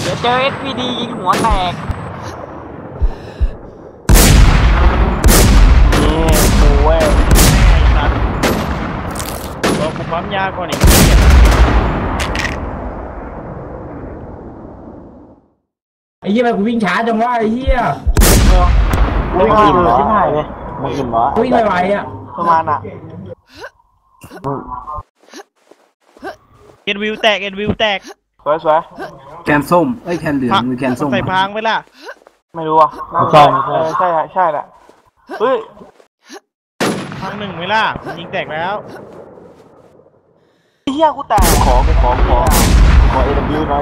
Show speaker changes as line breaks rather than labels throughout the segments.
เจอ SPD ยิงหัวแตก
นี่กูเว้ย
ไอ้สัตว์บอกกูปั๊มยาก่อนอีก
ไอ้เหี้ยมันกูวิ่งช้าจังวะไอ้เหี้ย
ไม่อิ่มเหรอชิบหายเลยไม่อิ่มเหรอ
วิ่งไวๆอ่ะ
ประมาณอ่ะ
เอ็นวิวแตกเอ็นวิวแตก
สวยสวย
แคนส้มเอ้ยแคนเหลืองหรือแคนส้ม
ใส่พางไปล่ะ
ไม่รู้อ่ะใช่ใช่ใช่แหละเฮ้ย
พางหนึ่งไหมล่ะยิงแตกแล้ว
เฮียกูแตกขอAW หน่อย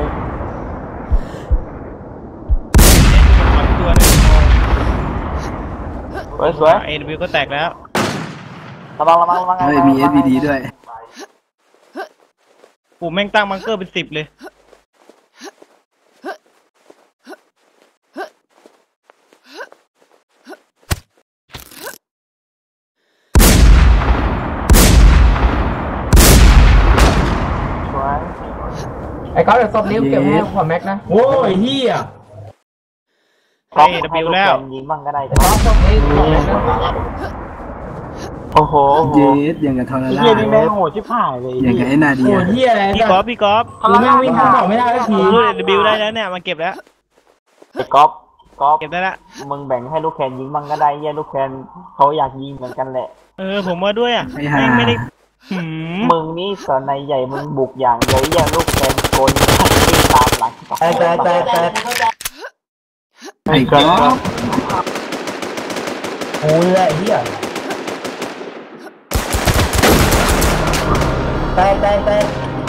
ตัวนึง
สวยสวย
เอ็นวิวก็แตกแล้ว
ระวัง
เฮ้ยมี SVD ด้วย
กูแม่งตั้งบังเกอร์เป็น10เลย
สวย
ไอ้ก๊อฟเดี๋ยวศพนิ้วเก็บให้ขอแม็กนะโอ้ยเหี้ย
ไอ้วิวแล้ว
ยิงบ้างก็ได้
ไอ้ก๊อฟศพนี้ขอแม็กนะ
โอ้โห
เยสอย่างกับทอร์
ไอ้
นา
เฮียนี่แม่งโหดชิบหายเลย
อย่างกับไอ้นาเดี
โอ้
ย
ยเหี้ยอะไร
พี่
เนี่ย
กอล์ฟพี่กอล์ฟ
กูแม่งวิ่งขึ้นบอกไม่ได้สักที
รูดเอ็นวิวได้แล้วเนี่ยมาเก็บแล้ว
ไอ้ก๊อฟ
เก็บได้ละ
มึงแบ่งให้ลูกแคนยิงบ้างก็ได้เฮียลูกแคนเขาอยากยิงเหมือนกันแหละ
ผมว่าด้วยอ่ะ
ไอ้ห่า
แม่งไม่ได้หืม
มึงนี่สอนในใหญ่มึงบุกอย่างเดียวเฮียลูกแคนโกนวิ่งตามหลังแต่
ไอ้ก๊อฟ
โอ้ยไอ้เหี้ยแตก